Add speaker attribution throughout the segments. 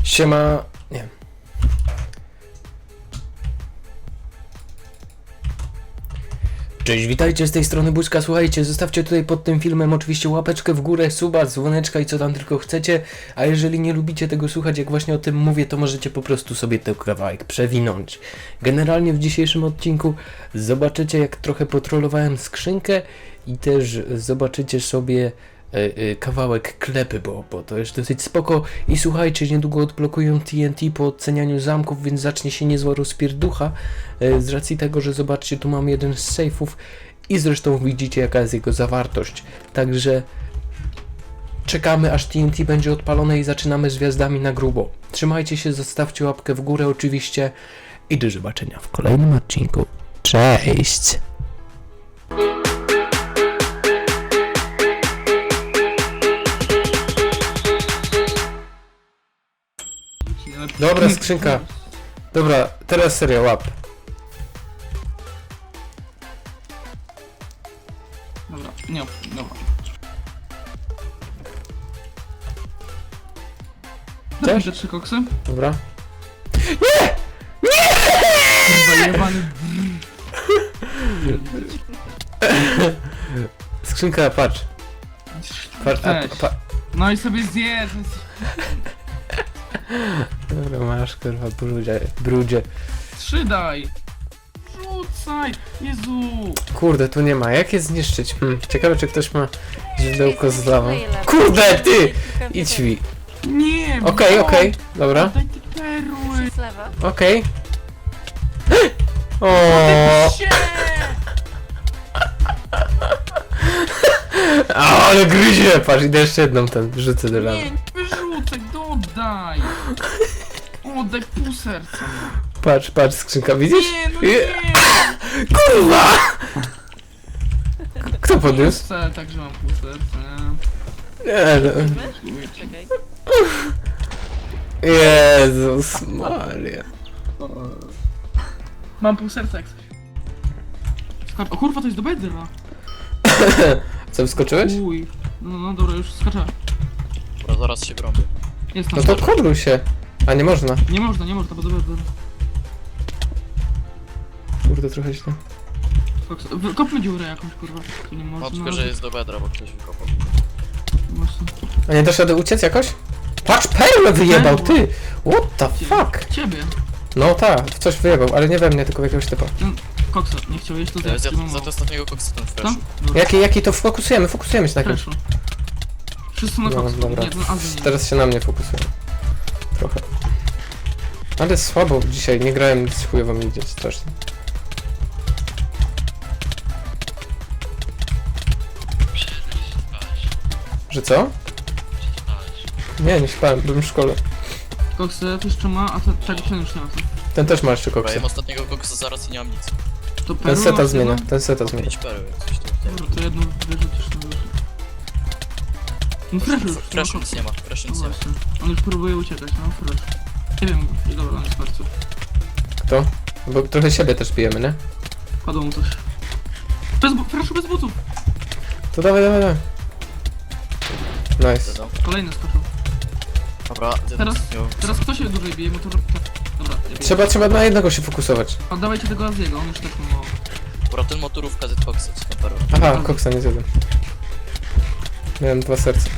Speaker 1: Siema... Nie. Cześć, witajcie z tej strony Buźka. Słuchajcie, zostawcie tutaj pod tym filmem oczywiście łapeczkę w górę, suba, dzwoneczka i co tam tylko chcecie. A jeżeli nie lubicie tego słuchać, jak właśnie o tym mówię, to możecie po prostu sobie ten kawałek przewinąć. Generalnie w dzisiejszym odcinku zobaczycie, jak trochę potrollowałem skrzynkę i też zobaczycie sobie kawałek klepy, bo to jest dosyć spoko. I słuchajcie, niedługo odblokują TNT po ocenianiu zamków, więc zacznie się niezła rozpierducha z racji tego, że zobaczcie, tu mam jeden z sejfów i zresztą widzicie, jaka jest jego zawartość. Także czekamy, aż TNT będzie odpalone i zaczynamy z gwiazdami na grubo. Trzymajcie się, zostawcie łapkę w górę oczywiście i do zobaczenia w kolejnym odcinku. Cześć! Dobra, skrzynka. Dobra, teraz serio, łap.
Speaker 2: Dobra, nie, dobra. Daj mi te 3 koksy.
Speaker 1: Dobra.
Speaker 2: Kurwa, jebany.
Speaker 1: Skrzynka, patrz. Patrz,
Speaker 2: Weź. No i sobie zjesz.
Speaker 1: Dobra, masz, kurwa, brudzie.
Speaker 2: 3 daj. Rzucaj. Jezu.
Speaker 1: Kurde, tu nie ma. Jak je zniszczyć? Ciekawe, czy ktoś ma źródełko z lawą. Kurde, ty! Idź mi.
Speaker 2: Nie.
Speaker 1: Okej, dobra.
Speaker 2: Daj te perły.
Speaker 3: Z lewa.
Speaker 1: Okej. O.
Speaker 2: Sie.
Speaker 1: Ale gryzie! Patrz, idę jeszcze jedną ten, wrzucę do lawy.
Speaker 2: Nie, nie wyrzucaj, dodaj. Oddaj pół serca.
Speaker 1: Patrz, skrzynka, widzisz?
Speaker 2: Nie, no nie.
Speaker 1: Kurwa! Kto podniósł?
Speaker 2: Chcę, także mam pół serca.
Speaker 1: Nie, no.
Speaker 3: Czekaj.
Speaker 1: Jezus Maria.
Speaker 2: Mam pół serca jak coś. O kurwa, to jest do bedra.
Speaker 1: Co, wskoczyłeś?
Speaker 2: Uj. No, dobra, już skaczę.
Speaker 4: Dobra, zaraz się brąbię.
Speaker 2: Jest
Speaker 1: No
Speaker 2: tam.
Speaker 1: to kobluj się. A nie można.
Speaker 2: Nie można, bo do bedra.
Speaker 1: Kurde, trochę źle.
Speaker 2: Kopmy dziurę jakąś, kurwa. Tu nie
Speaker 4: No
Speaker 2: można.
Speaker 4: tylko, że jest do bedra, bo ktoś wykopał.
Speaker 2: Właśnie.
Speaker 1: A nie dasz rady uciec jakoś? Patrz, perłę wyjebał, ty! What the fuck?
Speaker 2: Ciebie.
Speaker 1: No tak, w coś wyjebał, ale nie we mnie, tylko w jakiegoś typa.
Speaker 2: Koksa, nie chciałeś to
Speaker 4: Ja
Speaker 2: zjeść, mam
Speaker 4: za
Speaker 2: mało.
Speaker 4: to ostatniego koksa ten
Speaker 2: Co?
Speaker 4: freshu.
Speaker 2: Dobra.
Speaker 1: Jaki to fokusujemy się na kimś.
Speaker 2: Freshu. Wszyscy na
Speaker 1: No,
Speaker 2: koksa.
Speaker 1: dobra.
Speaker 2: Nie, ten Azji nie.
Speaker 1: Teraz się na mnie fokusuje. Trochę. Ale słabo dzisiaj, nie grałem nic chujowo mi idzie, strasznie. Że co? Nie śpałem, byłem w szkole.
Speaker 2: Koksy to jeszcze ma, a tego już nie ma.
Speaker 1: Ten też ma jeszcze
Speaker 4: Dobra,
Speaker 1: koksy.
Speaker 4: ja mam ostatniego koksa zaraz i nie mam nic.
Speaker 2: To
Speaker 1: Ten
Speaker 2: perły
Speaker 1: seta
Speaker 2: masz
Speaker 1: zmienia,
Speaker 2: jedno?
Speaker 1: ten seta zmienia.
Speaker 4: 5 pereł, jak coś tu.
Speaker 2: Dobra, to jedno wyrzucisz na górze. No freshu już.
Speaker 4: Fresh
Speaker 2: no,
Speaker 4: nic nie ma, fresh
Speaker 2: No
Speaker 4: nic nie ma.
Speaker 2: właśnie. On już próbuje uciekać, no fresh. Nie wiem, dobra, on jest martwy.
Speaker 1: Kto? Bo trochę siebie też pijemy, nie?
Speaker 2: Padło mu coś. Freshu bez butów!
Speaker 1: To dawaj. Nice.
Speaker 4: Dodam.
Speaker 2: Kolejny skoczył.
Speaker 4: Dobra,
Speaker 2: Teraz kto się dłużej bije, bo to... Dobra, ja biję.
Speaker 1: Trzeba na jednego się fokusować.
Speaker 2: Oddawajcie tego Aziego, on już tak ma mało.
Speaker 4: Dobra, ten motorówka z koksa, co tam perły.
Speaker 1: Aha, koksa nie zjadłem. Miałem 2 serca.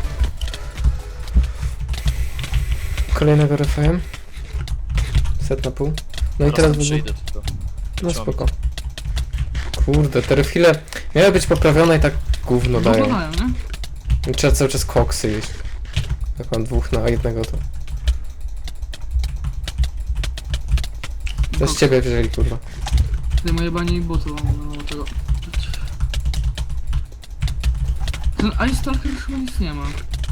Speaker 1: Kolejnego refajem. Set na pół. No i teraz
Speaker 4: przyjdę tylko.
Speaker 1: No spoko. Kurde, te refile miały być poprawione i tak gówno dają.
Speaker 2: Wyglądają, nie?
Speaker 1: Trzeba cały czas koksy jeść. Jak mam 2 na 1 to... To z ciebie wzięli, kurwa.
Speaker 2: Tutaj moje bani butu, no tego. Ten Ice Stalker już chyba nic nie ma.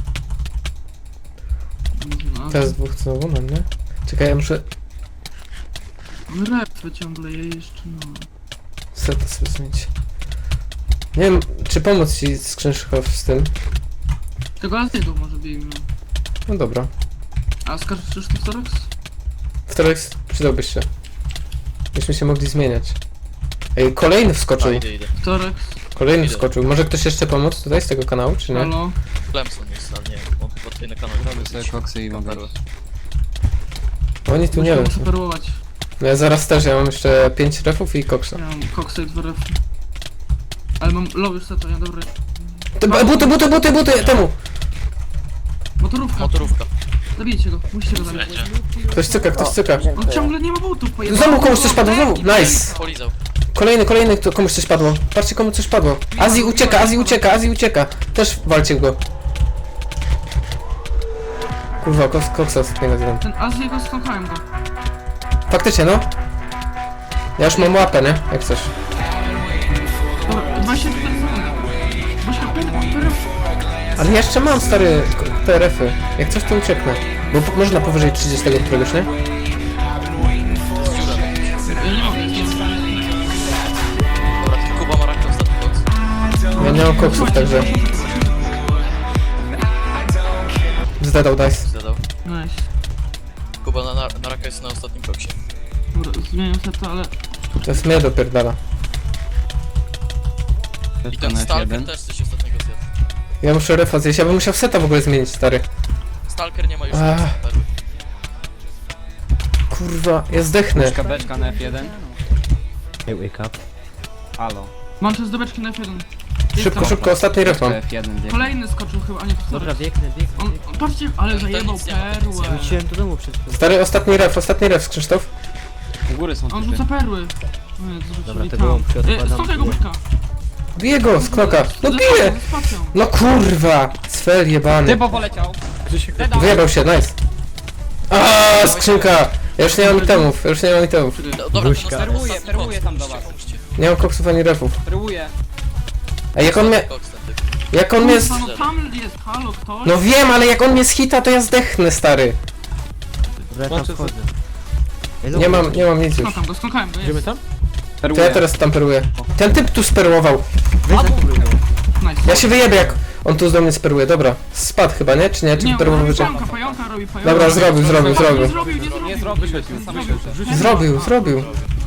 Speaker 2: No,
Speaker 1: Teraz 2 znowu mam, nie? Czekaj, ja muszę
Speaker 2: Repy ciągle je jeszcze, no.
Speaker 1: seta sobie zmienić. Nie wiem, czy pomóc ci Skrzynszkow z tym.
Speaker 2: Tego Aziego może bijmy.
Speaker 1: No dobra.
Speaker 2: A skaczesz tu Torex?
Speaker 1: Wtorek przydałbyś się. Byśmy się mogli zmieniać. Ej, kolejny wskoczył.
Speaker 4: Idę.
Speaker 2: Torex,
Speaker 1: Kolejny
Speaker 4: Idę.
Speaker 1: wskoczył. Może ktoś jeszcze pomóc tutaj z tego kanału, czy nie?
Speaker 2: halo?
Speaker 4: Clemson jest, ale nie, on chyba tutaj na kanale.
Speaker 5: Robię sobie koksy i mogę.
Speaker 4: perły.
Speaker 1: Oni tu nie wiem.
Speaker 2: Muszę perłować.
Speaker 1: No ja zaraz też, ja mam jeszcze 5 refów i koksa.
Speaker 2: Ja mam koksa i 2 refy. Ale mam low już to, ja dobry.
Speaker 1: Buty, temu!
Speaker 2: Motorówka.
Speaker 4: Motorówka.
Speaker 2: Zabijcie go, musicie go zabić.
Speaker 1: Ktoś cyka.
Speaker 2: On ciągle nie ma butów, pojechał.
Speaker 1: Znowu komuś coś padło, znowu! Nice!
Speaker 4: Polizał.
Speaker 1: Kolejny, komuś coś padło. Patrzcie, komu coś padło. Azji ucieka. Też walcie go. Kurwa, koksa ostatniego zjem.
Speaker 2: Ten Azję skąkałem go.
Speaker 1: Faktycznie, no. Ja już mam łapę, nie? Jak chcesz.
Speaker 2: Dobra, 24 sekundy. Masz perf.
Speaker 1: Ale ja jeszcze mam stary PRF-y. Jak coś to ucieknę. Bo można powyżej 30 któregoś, nie?
Speaker 2: Ja nie mogę.
Speaker 4: Dobra, tylko Kuba ma rakę ostatni box.
Speaker 1: Ja nie mam koksów, także... Zdadał dice.
Speaker 4: Zadał.
Speaker 2: Nice.
Speaker 4: Kuba na raka jest na ostatnim boksie.
Speaker 2: Dobra, zmieniam seta, ale...
Speaker 1: To jest mnie dopierdala.
Speaker 4: I ten Stalker też coś ostatniego zjadł.
Speaker 1: Ja muszę refa zjeść, ja bym musiał seta w ogóle zmienić, stary.
Speaker 4: Stalker nie ma już
Speaker 1: Ach.
Speaker 4: perły.
Speaker 1: Kurwa, ja zdechnę.
Speaker 3: Beczka na F1. Hey, wake up. Halo.
Speaker 2: Mam czas do beczki na F1.
Speaker 1: Szybko, ostatni ref mam.
Speaker 3: F1 bieg.
Speaker 2: Kolejny skoczył chyba, a nie to
Speaker 5: Dobra,
Speaker 2: sorry.
Speaker 5: biegnę.
Speaker 2: On, patrzcie, ale zajebał
Speaker 4: nic nie ma, nic nie ma.
Speaker 2: perłę.
Speaker 5: Wróciłem do domu przed chwilą.
Speaker 1: Stary, ostatni ref, Krzysztof.
Speaker 3: U góry są
Speaker 2: On
Speaker 3: typy.
Speaker 2: rzuca perły. No,
Speaker 5: Dobra,
Speaker 2: zrzucili
Speaker 5: to było,
Speaker 2: tam.
Speaker 5: odkładam.
Speaker 2: Stąd tego buźka.
Speaker 1: Bije go z knoka. No bije!
Speaker 2: Ze spacją.
Speaker 1: No kurwa! Sfer jebany.
Speaker 3: Typo poleciał.
Speaker 1: Wyjebał się, nice. Aaaa, skrzynka! Ja już nie mam itemów.
Speaker 4: No, dobra,
Speaker 5: Buźka.
Speaker 3: Perłuję tam do was.
Speaker 1: Nie mam koksów ani refów.
Speaker 3: Perłuję.
Speaker 1: A jak on mnie... Jak on mnie...
Speaker 2: Kurwa, no tam jest, halo, ktoś?
Speaker 1: No wiem, ale jak on mnie zhita, to ja zdechnę, stary.
Speaker 5: Dobra, tam wchodzę. Ej,
Speaker 1: Nie mam nic już.
Speaker 2: Skąkałem go,
Speaker 5: Idziemy
Speaker 2: jest.
Speaker 5: tam?
Speaker 1: To
Speaker 3: Perłuję.
Speaker 1: ja teraz tam peruję. Ten typ tu sperłował.
Speaker 5: Weź zakupluj go.
Speaker 2: Nice.
Speaker 1: Ja się wyjebię, jak on tu z mnie speruje. Dobra. Spadł chyba, nie? Czy nie? Czy
Speaker 2: Nie,
Speaker 1: perłował
Speaker 2: robi
Speaker 1: wyciąg?
Speaker 2: pająka robi pająka.
Speaker 1: Dobra, zrobił.
Speaker 2: Nie zrobił.
Speaker 3: Nie zrobił.
Speaker 1: Zrobił.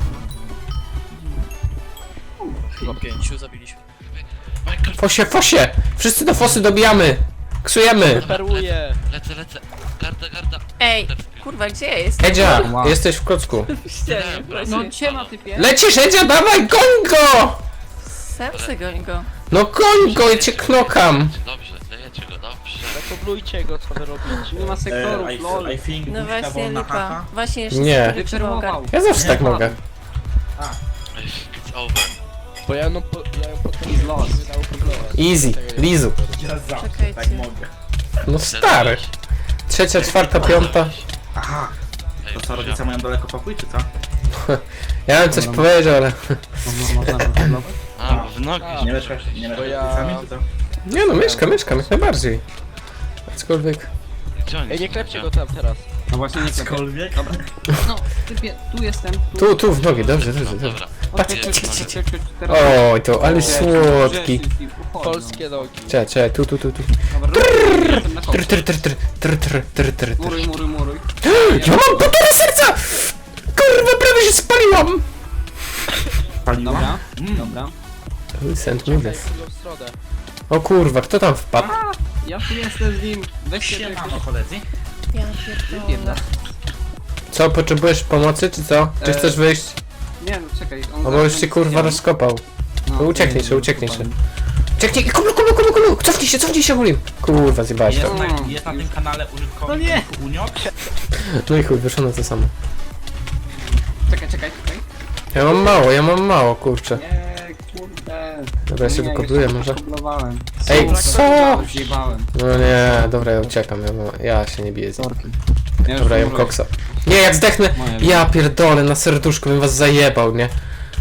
Speaker 4: Chyba 5 zabiliśmy.
Speaker 1: Fosie! Wszyscy do fosy dobijamy! Ksujemy!
Speaker 5: Perłuję.
Speaker 6: Lecę. Garda.
Speaker 7: Ej, kurwa, gdzie ja jestem?
Speaker 1: Edzia,
Speaker 3: Wow.
Speaker 1: jesteś w klocku.
Speaker 7: No ciema typie.
Speaker 1: Lecisz, Edzia, dawaj, goń go!
Speaker 7: Serce goń go.
Speaker 1: No goń go, ja cię knokam.
Speaker 6: Dobrze, dajecie go, dobrze.
Speaker 5: Zakoblujcie go, co wy robicie.
Speaker 3: Nie ma sektorów, lol.
Speaker 8: I think
Speaker 7: No
Speaker 8: Buźka
Speaker 7: właśnie
Speaker 8: wolna
Speaker 7: lipa.
Speaker 8: haha.
Speaker 7: Właśnie jeszcze
Speaker 1: Nie.
Speaker 7: sobie
Speaker 3: Wyperłował.
Speaker 1: Ja zawsze tak mogę.
Speaker 6: It's over.
Speaker 5: Bo ja ją potem
Speaker 3: He's lost.
Speaker 1: Easy, Lizu.
Speaker 8: Ja zawsze
Speaker 7: Czekajcie.
Speaker 8: tak mogę.
Speaker 1: No stary. Trzecia, czwarta, piąta.
Speaker 8: Aha,
Speaker 6: Ej,
Speaker 8: to co, rodzice mają daleko pokój, czy co?
Speaker 1: Ja bym coś powiedział, ale...
Speaker 6: A, bo w nogi.
Speaker 8: Nie mieszkasz z rodzicami, czy co?
Speaker 1: Nie no, mieszkam jak najbardziej. Aczkolwiek...
Speaker 6: Gdzie oni
Speaker 5: Ej, nie
Speaker 6: są?
Speaker 5: klepcie go tam teraz.
Speaker 3: No właśnie nie klepię.
Speaker 8: Aczkolwiek.
Speaker 2: No, typie, tu jestem.
Speaker 1: Tu, w nogi, dobrze.
Speaker 6: Dobra.
Speaker 1: Patrz,
Speaker 3: Teraz-
Speaker 1: oj, to, ale słodki.
Speaker 5: Polskie nogi.
Speaker 1: Czekaj, tu.
Speaker 3: Dobra, jestem na końcu.
Speaker 1: Trr.
Speaker 3: Muruj.
Speaker 1: Ja mam półtora serca! Kurwa, prawie się spaliłam!
Speaker 8: Paliła?
Speaker 3: Dobra, dobra.
Speaker 1: Send me this.
Speaker 5: W drugą stronę.
Speaker 1: O kurwa, kto tam wpadł?
Speaker 3: Ja tu jestem z nim. Weźcie
Speaker 8: Siemano, koledzy.
Speaker 7: Ja pierdolę.
Speaker 1: Co, potrzebujesz pomocy, czy co? Czy chcesz wyjść?
Speaker 3: Nie no, czekaj. On
Speaker 1: O, bo już się kurwa rozkopał. To ucieknij się. Ucieknij, kublu! Cofnij się, Gulim! Kurwa, zjebałeś to.
Speaker 8: Jest na tym kanale użytkownik
Speaker 3: No nie.
Speaker 8: Uniok.
Speaker 1: No i chuj, wyszło na to samo.
Speaker 3: Czekaj.
Speaker 1: Ja mam mało, kurczę.
Speaker 3: Nie, kurde.
Speaker 1: Dobra, ja się wykopluję może.
Speaker 3: Koblowałem.
Speaker 1: Ej, co?
Speaker 3: Zjebałem.
Speaker 1: No nie, dobra, ja uciekam, ja się nie biję z nim.
Speaker 3: Sorki. Ja już
Speaker 1: Dobra, jem
Speaker 3: muruję.
Speaker 1: koksa. Nie, jak zdechnę, ja pierdolę, na serduszku bym was zajebał, nie?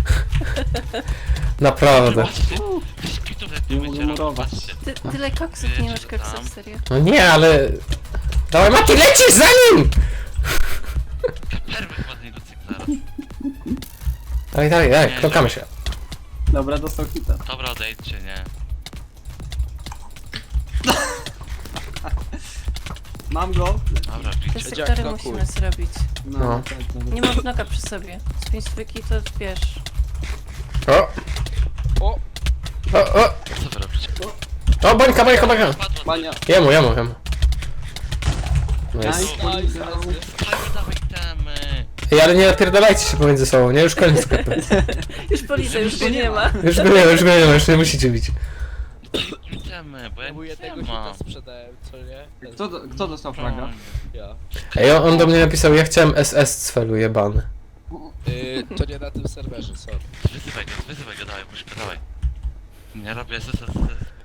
Speaker 1: Naprawdę.
Speaker 6: Nie
Speaker 3: mogę
Speaker 6: będzie robić,
Speaker 3: murować.
Speaker 6: patrzcie.
Speaker 7: Tyle koksów, nie masz koksów, serio.
Speaker 1: No nie, ale... Dawaj, Mati, lecisz za nim!
Speaker 6: Perły ładnie do zaraz.
Speaker 1: Dawaj, knokamy się.
Speaker 3: Dobra, dostał hita.
Speaker 6: Dobra, odejdźcie, nie.
Speaker 3: Mam go.
Speaker 6: Dobra,
Speaker 7: Te
Speaker 6: bicie.
Speaker 7: sektory
Speaker 5: knokuj.
Speaker 7: musimy zrobić.
Speaker 1: No.
Speaker 3: tak, dobra.
Speaker 7: Nie mam knoka przy sobie. Z 5 styki to wiesz.
Speaker 1: O!
Speaker 6: Co wy robicie?
Speaker 1: O, bańka!
Speaker 6: Padło.
Speaker 3: Bania.
Speaker 1: Jemu. Nice.
Speaker 6: Dawaj temy.
Speaker 1: Ej, ale nie napierdalajcie się pomiędzy sobą, nie? Już koniec sklepu.
Speaker 7: Już policja, już go nie ma.
Speaker 1: Już go nie ma, już nie musicie bić.
Speaker 6: Temy, bo ja
Speaker 5: Próbuję
Speaker 6: nic
Speaker 5: tego
Speaker 6: nie mam.
Speaker 5: hita sprzedałem, co nie?
Speaker 8: Kto dostał fraga?
Speaker 5: Ja.
Speaker 1: Ej, on do mnie napisał, ja chciałem SS cfelu jebany.
Speaker 5: To nie na tym serwerze, sorry.
Speaker 6: Wyzywaj go, dawaj, puszka, dawaj. Nie robię SSS.